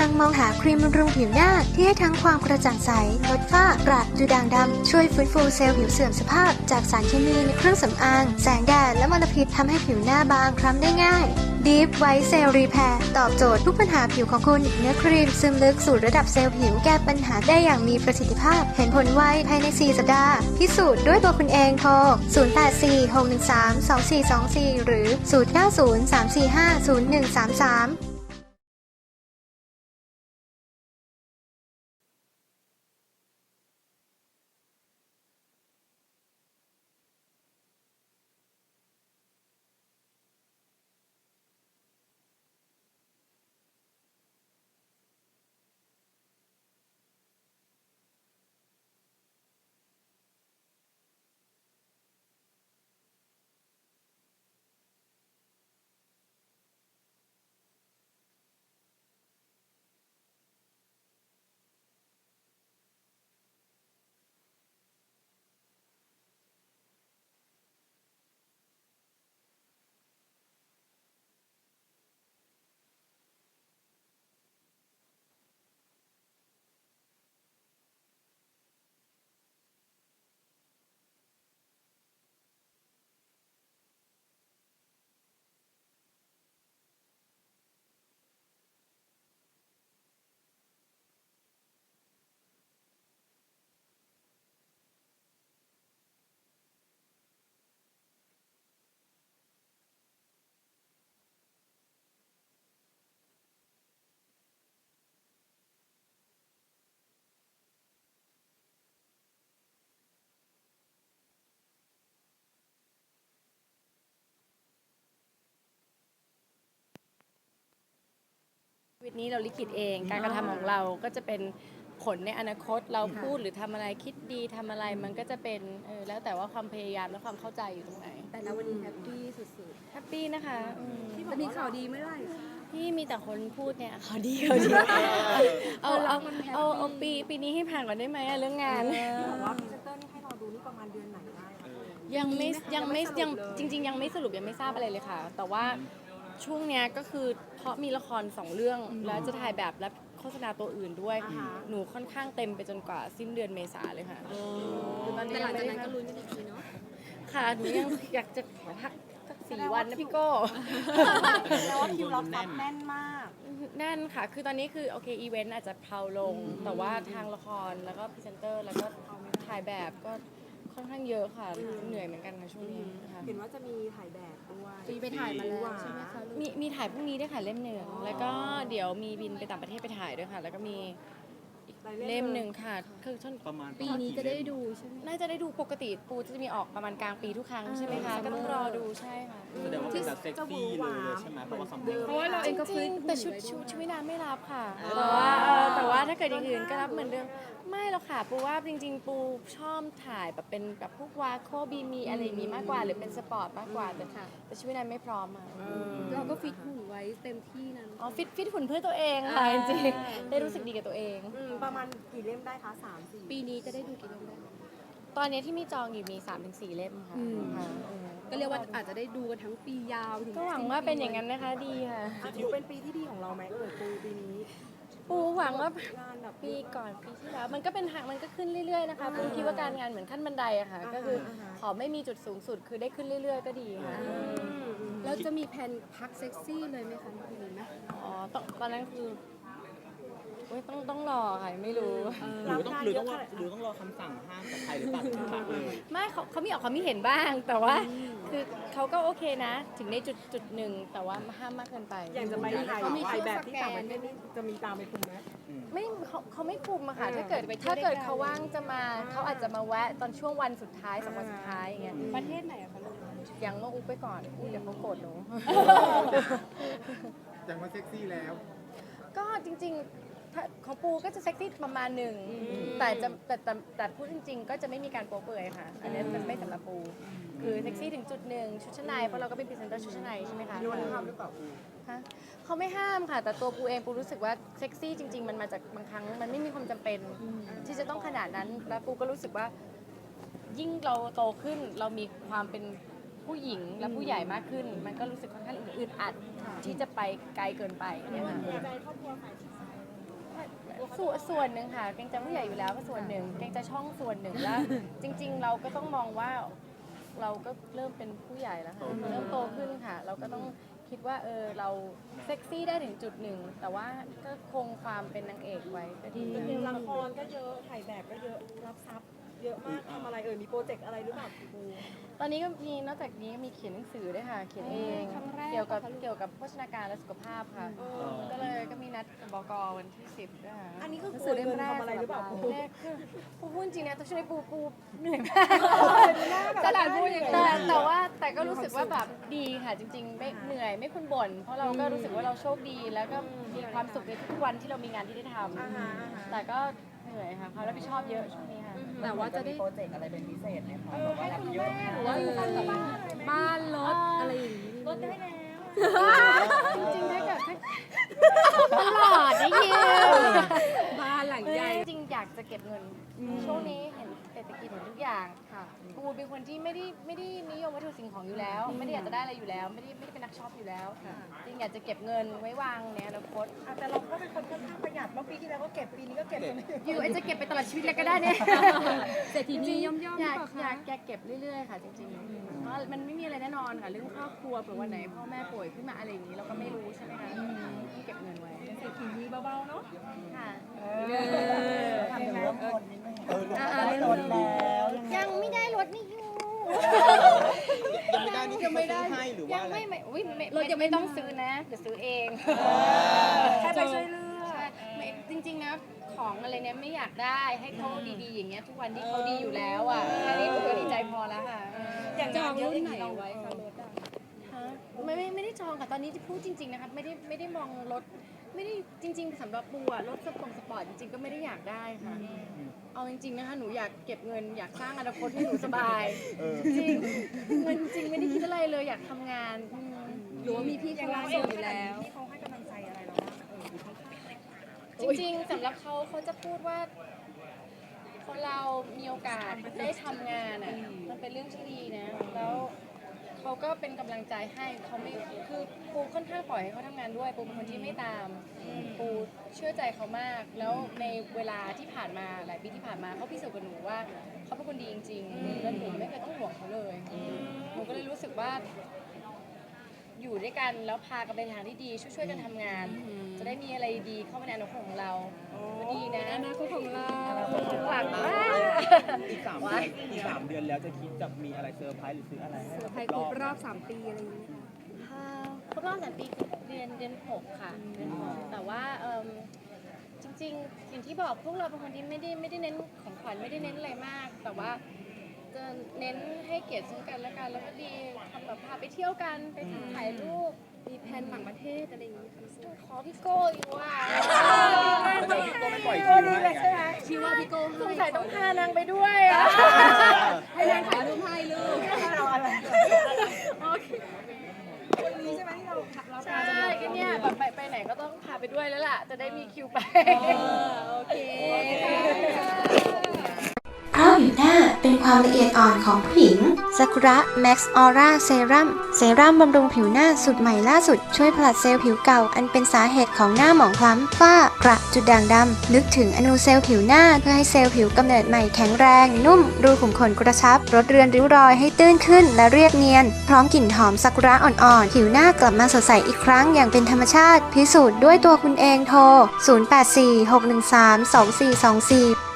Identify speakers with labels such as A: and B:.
A: งมองหาครีมบำรุงผิวหน้าที่ให้ทั้งความกระจ่างใสลดฝ้ากระดูด่างดำช่วยฟื้นฟูเซลล์ผิวเสื่อมสภาพจากสารเคมีในเครื่องสำอางแสงแดดและมลพิษทำให้ผิวหน้าบางคล้ำได้ง่าย Deep White Cell Repair ตอบโจทย์ทุกปัญหาผิวของคุณเนื้อครีมซึมลึกสู่ระดับเซลล์ผิวแก้ปัญหาได้อย่างมีประสิทธิภาพเห็นผลไวภายใน 4 สัปดาห์พิสูจน์ด้วยตัวคุณเองโทร 0846132424 หรือ 0903450133
B: ชีวิตนี้เราลิขิตเองการกระทำของเราก็จะเป็นผลในอนาคตเราพูดหรือทำอะไรคิดดีทำอะไรมันก็จะเป็นแล้วแต่ว่าความพยายามและความเข้าใจอยู่ตรงไหน
C: แต่ละวันนี้แฮปปี้สุด
B: แฮปปี้นะคะ
C: ๆจะมีข่าวดีไม่ได้
B: พี่มีแต่คนพูดเนี่ยข่าวดีข่าวดีเอาปีนี้ให้ผ่านก่อนได้ไหมเรื่องงาน
C: บอกว่าพรีเซนเตอร์นี่ให้เราดูนี่ประมาณเดือนไหนได้
B: ยังจริงๆยังไม่สรุปยังไม่ทราบอะไรเลยค่ะแต่ว่าช่วงเนี้ยก็คือเพราะมีละคร2 เรื่องแล้วจะถ่ายแบบและโฆษณาตัวอื่นด้วยหนูค่อนข้างเต็มไปจนกว่าสิ้นเดือนเมษาเลยค่ะ
C: ตอนนี้หลังจากนั้นก็ลุ้นกันอีกทีเนาะ
B: ค่ะหนูยังอยากจะขอพักสัก4 วันนะพี่โก้
C: แล้วคิวเราแน่นมาก
B: แน่นค่ะคือตอนนี้คือโอเคอีเวนต์อาจจะเพลาลงแต่ว่าทางละครแล้วก็พรีเซนเตอร์แล้วก็ถ่ายแบบก็ค่อนข้างเยอะค่ะเหนื่อยเหมือนกันค่ะช่วงนี้ค่ะ
C: เห็นว่าจะมีถ่ายแบบด้วย
D: ไปถ่ายมาแล้วใช่ไหมคะ
B: มีถ่ายพรุ่งนี้ด้วยค่ะเล่ม 1แล้วก็เดี๋ยวมีบินไปต่างประเทศไปถ่ายด้วยค่ะแล้วก็มีเล่ม 1ค่ะคือ
D: ประมาณปีนี้จะได้ดูใช่ไหม
B: น่าจะได้ดูปกติปูจะมีออกประมาณกลางปีทุกครั้งใช่ไหมคะก็ต้องรอดูใช่ค่ะ
D: แสดงว่าเป็นแบบเซ็กซี่เลยใช่ไหมเพราะว่า
B: เราเองก็จริงแต่ชุดว่ายน้ำไม่รับค่ะแต่ว่าถ้าเกิดอย่างอื่นก็รับเหมือนเดิมไม่หรอกค่ะปูว่าจริงๆปูชอบถ่ายแบบเป็นแบบพวกวาโคบีมีอะไรอย่างนี้มากกว่าหรือเป็นสปอร์ตมากกว่าแต่ชุดว่ายน้ำไม่พร้อมอ่ะ
D: เราก็ฟิตหุ่นไว้เต็มที่นั้น
B: ฟิตหุ่นเพื่อตัวเองค่ะจริงๆได้รู้สึกดีกับตัวเอง
C: ประมาณกี่เล่มได้คะ3-4
D: ปีนี้จะได้ดูกี่เล่มได้
B: ตอนนี้ที่มีจองอยู่มี 3-4 เล่มค่ะ
D: ก็เรียกว่าอาจจะได้ดูกันทั้งปียาว
B: ก็หวังว่าเป็นอย่างนั้นนะคะดีค่ะ
C: ถือเป็นปีที่ดีของเราไหมปีนี้
B: ปูหวังว่าปีก่อนปีที่แล้วมันก็เป็นทางมันก็ขึ้นเรื่อยๆนะคะปูคิดว่าการงานเหมือนขั้นบันไดอะค่ะก็คือขอไม่มีจุดสูงสุดคือได้ขึ้นเรื่อยๆก็ดีค่ะ
D: แล้วจะมีแผนพักเซ็กซี่เลยไหมคะมีไหม
B: ตอนนั้นคือต้องรอค่ะไม่รู้
D: หรือต้องรอคำสั่งห้ามจากใครหรือเปล่าถึงพักเลย
B: ไม่เขามีออกความเห็นบ้างแต่ว่าคือเขาก็โอเคนะถึงในจุดหนึ่งแต่ว่าห้ามมากเกินไป
C: อย่างจะไปถ่ายแบบที่ต่างประเทศนี่จะมีตามไปคุมไหม
B: ไม่เขาไม่คุมอะค่ะถ้าเกิดเขาว่างจะมาเขาอาจจะมาแวะตอนช่วงวันสุดท้าย2 วันสุดท้ายอย่างเงี้ย
C: ประเทศไหนอะคะลูก
B: ยังต้องอุ๊บไปก่อนเดี๋ยวเขาโกรธหนู
E: ยังว่าเซ็กซี่แล้ว
B: ก็จริงๆของปูก็จะเซ็กซี่ประมาณหนึ่งแต่พูดจริงๆก็จะไม่มีการโป๊เปื่อยค่ะอันนี้มันไม่สำหรับปูคือเซ็กซี่ถึงจุดหนึ่งชุดชั้นในเพราะเราก็เป็นพรีเซนเตอร์ชุดชั้นในใช่ไหมคะ
E: โยนห้ามหรือเปล่า
B: ฮะเขาไม่ห้ามค่ะแต่ตัวปูเองปูรู้สึกว่าเซ็กซี่จริงๆมันมาจากบางครั้งมันไม่มีความจำเป็นที่จะต้องขนาดนั้นแล้วปูก็รู้สึกว่ายิ่งเราโตขึ้นเรามีความเป็นผู้หญิงและผู้ใหญ่มากขึ้นมันก็รู้สึกค่อนข้างอึดอัดที่จะไปไกลเกินไปเนี่ยค่ะส่วนหนึ่งค่ะเกรงใจผู้ใหญ่อยู่แล้วก็ส่วนหนึ่งเกรงใจช่องส่วนหนึ่งแล้วจริง ๆ เราก็ต้องมองว่าเราก็เริ่มเป็นผู้ใหญ่แล้วค่ะเริ่มโตขึ้นค่ะ เราก็ต้องคิดว่าเราเซ็กซี่ได้ถึงจุดหนึ่งแต่ว่าก็คงความเป็นนางเอกไว้ก็ดี
C: เพลงละครก็เยอะถ่ายแบบก็เยอะรับทรัพย์เยอะมากทำอะไรมีโปรเจกต์อะไรหรือเปล่าปู
B: ตอนนี้ก็มีนอกจากนี้มีเขียนหนังสือด้วยค่ะเขียนเองเกี่ยวกับโภชนาการและสุขภาพค่ะก็เลยก็มีนัดกับบกวันที่10ด้วยค่ะ
C: อันนี้ก็คือเงินทำอะไรหรือเปล่าปู
B: แรกคือปูพูดจริงนะต้องช่วยปูเหนื่อยมากตลาดพูดอย่างแต่ก็รู้สึกว่าแบบดีค่ะจริงๆไม่เหนื่อยไม่คุณบ่นเพราะเราก็รู้สึกว่าเราโชคดีแล้วก็มีความสุขในทุกวันที่เรามีงานที่ได้ทำแต่ก็เหนื่อยค่ะความรับผิดชอบเยอะช่วงนี้ค่ะ
F: แต่ว่าจะได้
D: โปรเจกต์อะไรเป็นพิเศษไหมคะ
C: ให้คุณแม่หรือ
F: ว่า
C: ว่า
F: อยู่บ้านรถอะไรอย่างนี้
C: ลดได้แล้ว
B: จริงๆถ้าเกิดตลอดได้ยิน
F: บ้านหลังใหญ่
B: จริงๆอยากจะเก็บเงินช่วงนี้เห็นเศรษฐกิจเหมือนทุกอย่างค่ะปูเป็นคนที่ไม่ได้นิยมวัตถุสิ่งของอยู่แล้ว ไม่ได้อยากจะได้อะไรอยู่แล้ว ไม่ได้เป็นนักช็อปอยู่แล้วจริงอยากจะเก็บเงินไว้วางในอนาคต
C: แต่เราก็เป็นคนค่อนข้างประหยัดเมื่อปีที่แล้วก็เก็บปีนี้ก็เก็บ
B: อยู่จะเก็บไปตลอดชีวิตเลยก็ได้เนี่ย
F: เศรษฐีนีย่อมๆห
B: อ
F: รื
B: ยา
F: อก เปล่า
B: อยา
F: คะ
B: กเก็บเรื่อยๆค่ะจริงๆเพราะมันไม่มีอะไรแน่นอนค่ะเรื่องครอบครัวเผื่อวันไหนพ่อแม่ป่วยขึ้นมาอะไรอย่างนี้เราก็ไม่รู้ใช่ไหมคะต้องเก็บเงินไว้
C: เศรษฐีนีเบาๆเนาะ
B: ค่ะ
D: ทำเรื่องคนนิดนึงได้รถแล้ว
B: ยังไม่ได้รถนี่อยู่
D: ยังไม่ได้นี่คือเขาซื้อให้หรือว่าอะไร
B: ไม่อุ๊ยรถยังไม่ต้องซื้อนะเดี๋ยวซื้อเอง
C: แค่ไปช่วยเลือก
B: ใช่ไม่จริงๆนะของอะไรเนี่ยไม่อยากได้ให้เขาดีๆอย่างเงี้ยทุกวันที่เขาดีอยู่แล้วอ่ะแค่นี้ผมก็ดีใจพอแล้วค่ะ
C: อย่าง
F: จอง
C: เยอะ
F: รุ่น
C: อย่าง
F: ไหน
C: นี้เรา
F: ไว้คะรถอะ
B: ฮะไม่ได้จองค่ะตอนนี้ที่พูดจริงๆนะคะไม่ได้มองรถไม่ได้จริง ๆสำหรับปูอะรถสปอร์ตจริงๆก็ไม่ได้อยากได้ค่ะเอาจริงๆนะคะหนูอยากเก็บเงินอยากสร้างอนาคตให้หนูสบายจริงเงินจริงไม่ได้คิดอะไรเลยอยากทำงาน
F: หรือว่ามีพี่
C: อ
F: เขา
C: ย่างเรา
F: ส่
C: เอง
F: งอยู่แล้ว
C: ที่เขาให้กำลังใจอะไรเราบ้าง
B: จริงๆสำหรับเขาจะพูดว่าพอเรามีโอกาสได้ทำงานอ่ะมันเป็นเรื่องที่ดีนะแล้วเขาก็เป็นกำลังใจให้เขาไม่คือปูค่อนข้างปล่อยให้เขาทำงานด้วยปูเป็นคนที่ไม่ตามปูเชื่อใจเขามาก แล้วในเวลาที่ผ่านมาหลายปีที่ผ่านมาเขาพิสูจน์กับหนูว่าเขาเป็นคนดีจริงๆแล้วหนูไม่เคยต้องห่วงเขาเลยหนูก็เลยรู้สึกว่า อยู่ด้วยกันแล้วพากันไปทางที่ดีช่วยๆกันทำงาน จะได้มีอะไรดีเข้ามาในอนาคตของเราก็ดีนะ
F: อนาคตของเรา
B: หวังว่า
D: อีก3 เดือนแล้วจะคิดจะมีอะไรเซอร์ไพรส์หรือซื้ออะไรให้
F: เซอร์ไพรส์ครบรอบ3 ปีอะไรอย่างนี้ไหมคะ
B: ครบรอบ3 ปีเดือน6ค่ะเดือน6แต่ว่าจริงๆอย่างที่บอกพวกเราเป็นคนที่ไม่ได้เน้นของขวัญไม่ได้เน้นอะไรมาก แต่ว่าจะเน้นให้เกียรติซึ่งกันและกันแล้วก็ดีทำแบบพาไปเที่ยวกันไปถ่ายรูป
F: มีแผนต่างประเทศอะไรอย่างนี้ค่ะ
B: ขอพี่โก้อยู่ว่ะ
D: ก็ไม่ปล่อยคิวให้ไง
F: ชิว่าพี่โก้
B: สงสัยต้องพานางไปด้วยอะ
F: ให้นางถ่ายรูปให้ลูก
C: คนนี้ใช่ไหมที่เรา
B: ใช่ก็เนี่ยแบบไปไหนก็ต้องพาไปด้วยแล้วล่ะ จะได้มีคิวไป
F: โอเค
A: เพราะผิวหน้าเป็นความละเอียดอ่อนของผู้หญิงซากุระแม็กซ์ออร่าเซรั่มบำรุงผิวหน้าสูตรใหม่ล่าสุดช่วยผลัดเซลล์ผิวเก่าอันเป็นสาเหตุของหน้าหมองคล้ำฝ้ากระจุดด่างดำลึกถึงอนูเซลล์ผิวหน้าเพื่อให้เซลล์ผิวกำเนิดใหม่แข็งแรงนุ่มรูขุมขนกระชับลดเรือนริ้วรอยให้ตื้นขึ้นและเรียบเนียนพร้อมกลิ่นหอมซากุระอ่อนๆผิวหน้ากลับมาสดใสอีกครั้งอย่างเป็นธรรมชาติพิสูจน์ด้วยตัวคุณเองโทร 0846132424